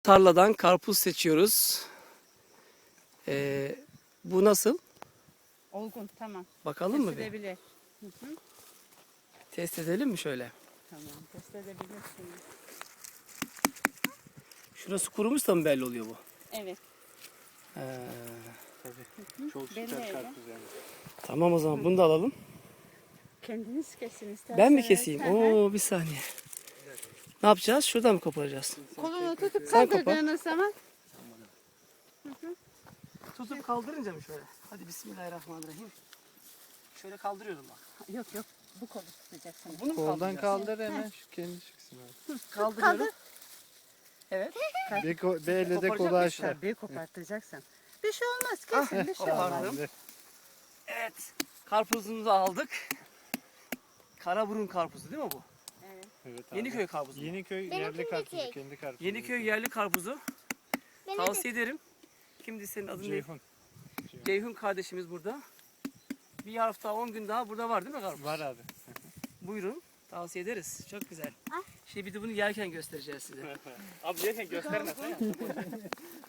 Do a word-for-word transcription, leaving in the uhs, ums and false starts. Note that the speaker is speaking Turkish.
Tarladan karpuz seçiyoruz. Ee, bu nasıl? Olgun, tamam. Bakalım mı bir? Test edebilir. Hı hı. Test edelim mi şöyle? Tamam, test edebilirsiniz. Şurası kurumuşsa mı belli oluyor bu? Evet. Ee, Tabii. Çok Belli süper öyle. karpuz yani. tamam o zaman bunu da alalım. Kendiniz kesin isterseniz. Ben mi keseyim? Hı hı. Oo bir saniye. Ne yapacağız? Şuradan mı koparacağız? Kolunu tutup Sen kopar. kaldırdığınız zaman Tutup kaldırınca mı şöyle? Hadi bismillahirrahmanirrahim. Şöyle kaldırıyorum bak. yok yok bu kolu tutacaksınız. Bunu mu Koldan kaldıracağız? kaldır hemen şu kendi çıksın abi. Kaldırıyorum. Evet. Bir, ko- bir elle de Koparacak kolu mıyız? aşağı. Tabii kopartacaksın. Bir şey olmaz Ah, kesin bir şey kopardım. olmaz. Tamamdır. Evet. Karpuzumuzu aldık. Karaburun karpuzu değil mi bu? Evet. Evet abi. Yeniköy karpuzu. Yeniköy Benimkini yerli de karpuzu. çek. Kendi karpuzu. Yeniköy yerli karpuzu. Beni Tavsiye ederim. Kimdi senin adın ne? Ceyhun. Ceyhun kardeşimiz burada. Bir hafta on gün daha burada var değil mi karpuz? Var abi. Buyurun. Tavsiye ederiz. Çok güzel. Ah. Şimdi bir de bunu yerken göstereceğiz size. Abi yerken göstermesen.